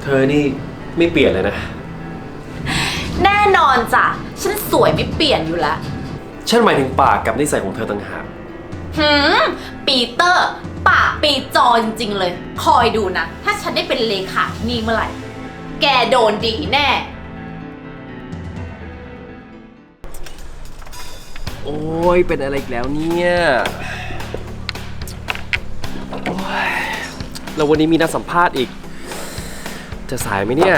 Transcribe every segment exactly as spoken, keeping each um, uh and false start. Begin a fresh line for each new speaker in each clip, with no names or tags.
เธอนี่ไม่เปลี่ยนเลยนะ
แน่นอนจ้ะฉันสวยไม่เปลี่ยนอยู่แล้ว
ฉันหมายถึงปากกับนิสัยของเธอต่างหาก
หืมปีเตอร์ปากปีจอจริงๆเลยคอยดูนะถ้าฉันได้เป็นเลขาที่นี่เมื่อไหร่แกโดนดีแน่
โอ้ยเป็นอะไรอีกแล้วเนี่ยโอ้ยแล้ววันนี้มีนัดสัมภาษณ์อีกจะสายไหมเนี่ย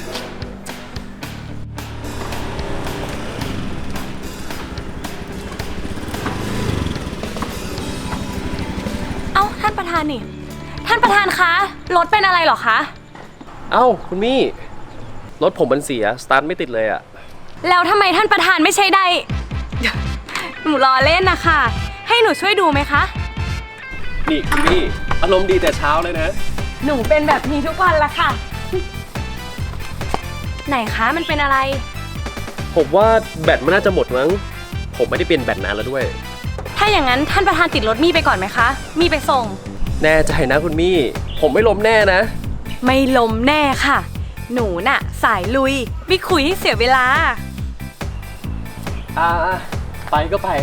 เอ้าท่านประธานนี่ท่านประธานคะรถเป็นอะไรเหรอคะ
เอ้าคุณมี่รถผมมันเสียสตาร์ทไม่ติดเลยอะ
แล้วทำไมท่านประธานไม่ใช่ได้หนูรอเล่นนะคะให้หนูช่วยดูไหมคะ
นี่คุณมี่อารมณ์ดีแต่เช้าเลยนะ
หนูเป็นแบบนี้ทุกวันละค่ะไหนคะมันเป็นอะไร
ผมว่าแบตมันน่าจะหมดมั้งผมไม่ได้เปลี่ยนแบตนานแล้วด้วย
ถ้าอย่างนั้นท่านประธานติดรถมี่ไปก่อนไหมคะมี่ไปส่ง
แน่ใจนะคุณมี่ผมไม่ล้มแน่นะ
ไม่ล้มแน่ค่ะหนูน่ะสายลุยไม่คุยให้เสียเวลา
อ่าไปก็ไป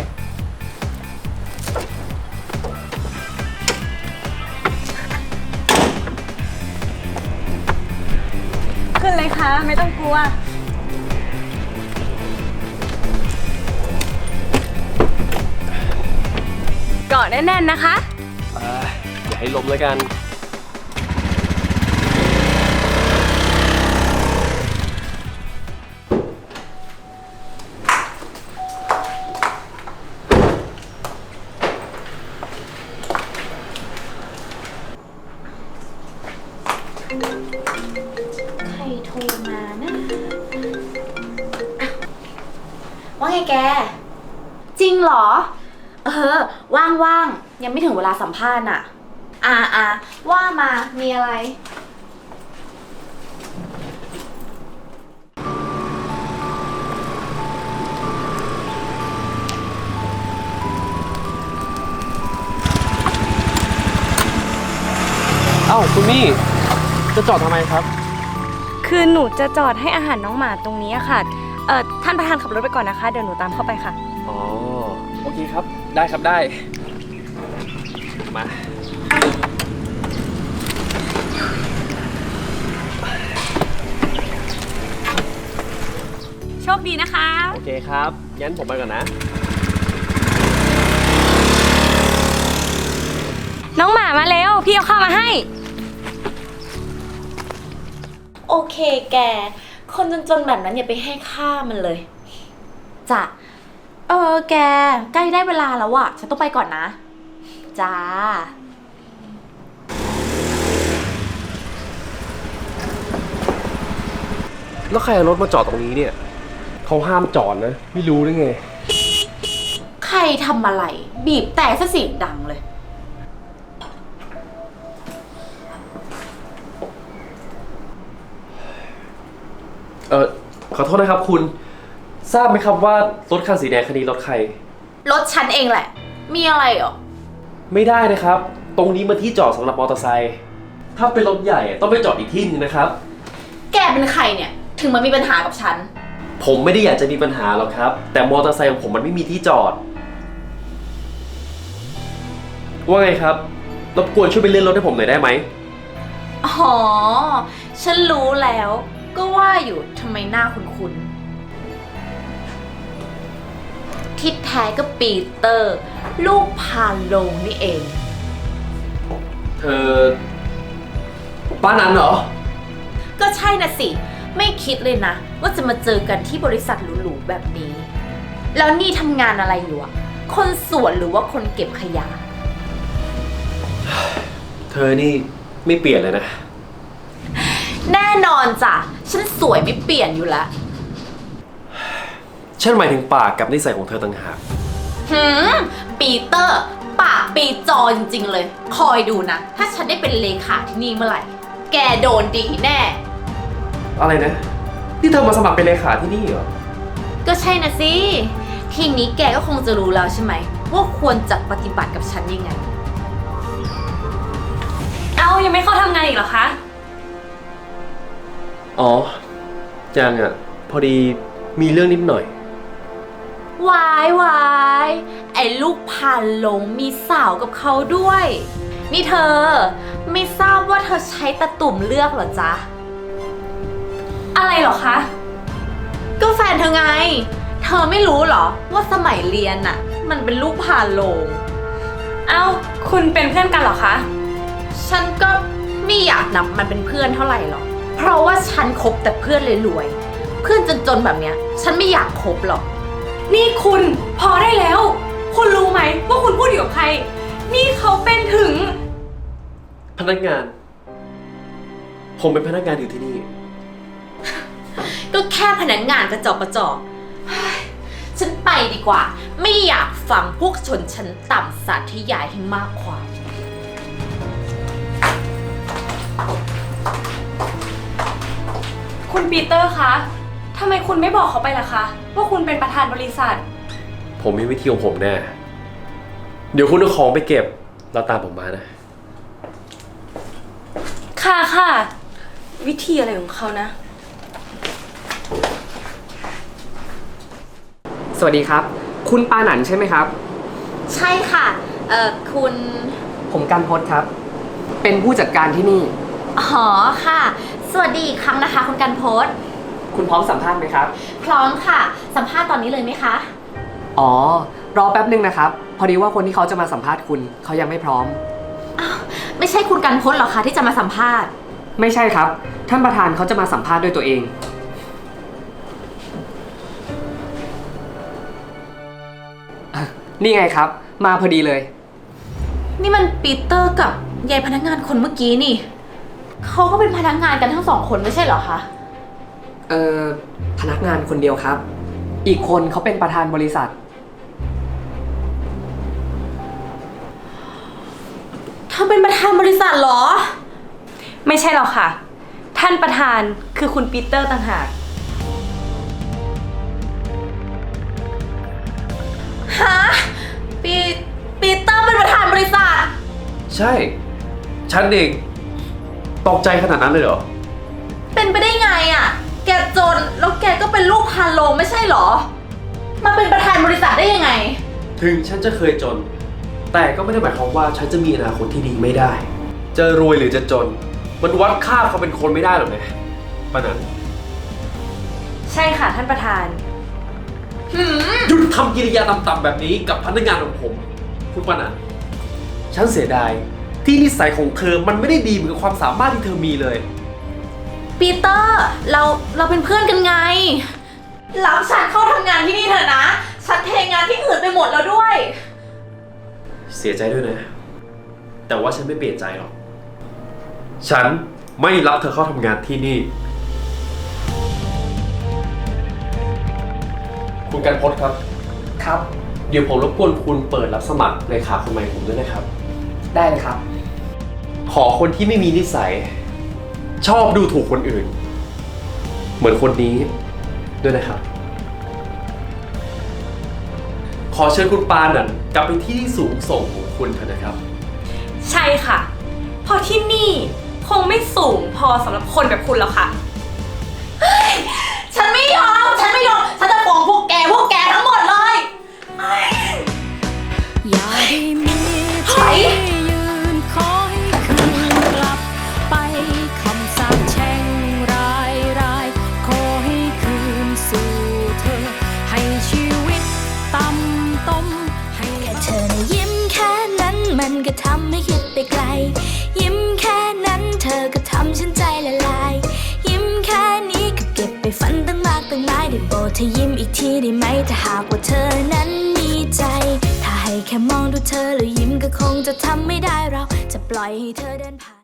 ขึ้นเลยค่ะไม่ต้องกลัวเกาะแน่นๆนะคะ
อ่าอย่าให้ล้มแล้วกัน
ใครโทรมานะว่าไงแกจริงเหรอเออว่างๆยังไม่ถึงเวลาสัมภาษณ์อ่ะอ่าอ่าว่ามามีอะไร
เอ้าคุณมี่จะจอดทำไมครับ
คือหนูจะจอดให้อาหารน้องหมาตรงนี้ค่ะเอ่อท่านประธานขับรถไปก่อนนะคะเดี๋ยวหนูตามเข้าไปค่ะ
อ๋อโอเคครับได้ครับได้มา
โชคดีนะคะ
โอเคครับงั้นผมไปก่อนนะ
น้องหมามาเร็วพี่เอาข้าวมาให้
โอเคแกคนจนๆแบบนั้นอย่าไปให้ค่ามันเลยจ้ะเออแกใกล้ได้เวลาแล้วอะฉันต้องไปก่อนนะจ้า
แล้วใครเอารถมาจอดตรงนี้เนี่ยเขาห้ามจอดนะไม่รู้ได้ไง
ใครทำอะไรบีบแต่ซะเสียงดังเลย
เออขอโทษนะครับคุณทราบไหมครับว่ารถคันสีแดงคันนี้รถใคร
รถฉันเองแหละมีอะไรเหรอ
ไม่ได้นะครับตรงนี้มันที่จอดสำหรับมอเตอร์ไซค์ถ้าเป็นรถใหญ่ต้องไปจอดอีกที่นึงนะครับ
แกเป็นใครเนี่ยถึงมามีปัญหากับฉัน
ผมไม่ได้อยากจะมีปัญหาหรอกครับแต่มอเตอร์ไซค์ของผมมันไม่มีที่จอดว่าไงครับรบกวนช่วยไปเลื่อนรถให้ผมหน่อยได้ไหม
อ๋อฉันรู้แล้วก็ว่าอยู่ทำไมหน้าคุ้นๆที่แท้ก็ปีเตอร์ลูกพาโลงนี่เอง
เธอป้านั้นเหรอ
ก็ใช่น่ะสิไม่คิดเลยนะว่าจะมาเจอกันที่บริษัทหรูๆแบบนี้แล้วนี่ทำงานอะไรอยู่อะคนสวนหรือว่าคนเก็บขยะ
เธอนี่ไม่เปลี่ยนเลยนะ
แน่นอนจ้ะฉันสวยไม่เปลี่ยนอยู่แล้ว
ฉันหมายถึงปากกับนิสัยของเธอต่างหาก
หืมปีเตอร์ปากปีจอจริงๆเลยคอยดูนะถ้าฉันได้เป็นเลขาที่นี่เมื่อไหร่แกโดนดีแน่
อะไรนะที่เธอมาสมัครเป็นเลขาที่นี่เหรอ
ก็ใช่นะสิทีนี้แกก็คงจะรู้แล้วใช่ไหมว่าควรจะปฏิบัติกับฉันยังไง
เอายังไม่เข้าทำงานอีกเหรอคะ
อ๋อยังอ่ะ พอดีมีเรื่องนิดหน่อย
วายวายไอ้ลูกพานหลงมีสาวกับเขาด้วย นี่เธอ ไม่ทราบว่าเธอใช้ตะตุ่มเลือกเหรอจ๊ะ
อะไรเหรอคะ
ก็แฟนเธอไง เธอไม่รู้เหรอว่าสมัยเรียนน่ะ มันเป็นลูกพานโลง
เอ้า คุณเป็นเพื่อนกันเหรอคะ
ฉันก็ไม่อยากนับมันเป็นเพื่อนเท่าไหร่หรอก เพราะว่าฉันคบแต่เพื่อนรวยๆเพื่อนจนๆแบบเนี้ย ฉันไม่อยากคบหรอก
นี่คุณพอได้แล้ว คุณรู้ไหมว่าคุณพูดอยู่กับใคร นี่เขาเป็นถึง
พนักงาน ผมเป็นพนักงานอยู่ที่นี่
ก็แค่พนักงานกระจอกกระจอกเฮ้ยฉันไปดีกว่า ไม่อยากฟังพวกชนชั้นต่ำสาธยายให้มากความ
คุณปีเตอร์คะทำไมคุณไม่บอกเขาไปล่ะคะ ว่าคุณเป็นประธานบริษัท
ผมมีวิธีของผมแน่ เดี๋ยวคุณเอาของไปเก็บ แล้วตามผมมานะ
ค่ะค่ะ วิธีอะไรของเขานะ
สวัสดีครับ คุณปาหนันใช่ไหมครับ
ใช่ค่ะ เอ่อ คุณ
ผมกันพศครับ เป็นผู้จัดการที่นี่
อ๋อค่ะ สวัสดีอีกครั้งนะคะ คุณกันพศ
คุณพร้อมสัมภาษณ์ไหมครับ
พร้อมค่ะ สัมภาษณ์ตอนนี้เลยไหมคะ
อ๋อ รอแป๊บนึงนะครับ พอดีว่าคนที่เขาจะมาสัมภาษณ์คุณเขายังไม่พร้อม
อ้าว ไม่ใช่คุณกันพศหรอคะที่จะมาสัมภาษณ์
ไม่ใช่ครับ ท่านประธานเขาจะมาสัมภาษณ์ด้วยตัวเอง นี่ไงครับ มาพอดีเลย
นี่มันปีเตอร์กับยายพนักงานคนเมื่อกี้นี่ เขาก็เป็นพนักงานกันทั้งสองคนไม่ใช่เหรอคะ
เอ่อ พนักงานคนเดียวครับ อีกคนเขาเป็นประธานบริษัท
เธอเป็นประธานบริษัทเหรอ
ไม่ใช่หรอกค่ะ ท่านประธานคือคุณปีเตอร์ต่างหาก
ฮะ ปีปีเตอร์เป็นประธานบริษัท
ใช่ ฉันเองตกใจขนาดนั้นเลยเหรอ
เป็นไปได้ไงอะ่ะ แกจนแล้วแกก็เป็นลูกพานโลงไม่ใช่เหรอ มาเป็นประธานบริษัทได้ยังไง
ถึงฉันจะเคยจน แต่ก็ไม่ได้หมายความว่าฉันจะมีอนาคตที่ดีไม่ได้ จะรวยหรือจะจน มันวัดค่าเขาเป็นคนไม่ได้หรอกนะปะนัน
ใช่ค่ะท่านประธาน
หืม
หยุดทำกิริยาต่ำๆแบบนี้กับพนักงานของผม คุณปานันฉันเสียดายที่นิสัยของเธอมันไม่ได้ดีเหมือนกับความสามารถที่เธอมีเลย
ปีเตอร์ เราเราเป็นเพื่อนกันไง รับฉันเข้าทำงานที่นี่เถอะนะ ฉันเทงานที่อื่นไปหมดแล้วด้วย
เสียใจด้วยนะ แต่ว่าฉันไม่เปลี่ยนใจหรอก ฉันไม่รับเธอเข้าทำงานที่นี่ คุณกันพศครับ
ครับ
เดี๋ยวผมรบกวนคุณเปิดรับสมัครเลขาคนใหม่ผมด้วยนะครับ
ได้เลยครับ
ขอคนที่ไม่มีนิสัย ชอบดูถูกคนอื่น เหมือนคนนี้ด้วยนะครับ ขอเชิญคุณปานันกลับไปที่สูงส่งของคุณเถอะนะครับ
ใช่ค่ะ เพราะที่นี่คงไม่สูงพอสำหรับคนแบบคุณแล้วค่ะ
ฉันไม่ยอม ฉันไม่ยอม ฉันจะฟ้องพวกแก พวกแกทั้งหมดเลย
อย่าได้มี
ถอย
ที่ยืนคอยคืนกลับไปคำสาปแช่งรายรายขอให้คืนสู่เธอ ให้ชีวิตต่ำต้มให้แค่เธอนะยิ้มแค่นั้นมันก็ทำให้คิดไปไกล ยิ้มแค่นั้นเธอก็ทำฉันใจละลาย ยิ้มแค่นี้ก็เก็บไปฝันตั้งมากตั้งหลายได้โปรดเธอยิ้มอีกทีได้ไหมถ้าหากว่าเธอนั้นมีใจ ถ้าให้แค่มองดูเธอแล้วยิ้มก็คงจะทำไม่ได้เราจะปล่อยให้เธอเดินผ่าน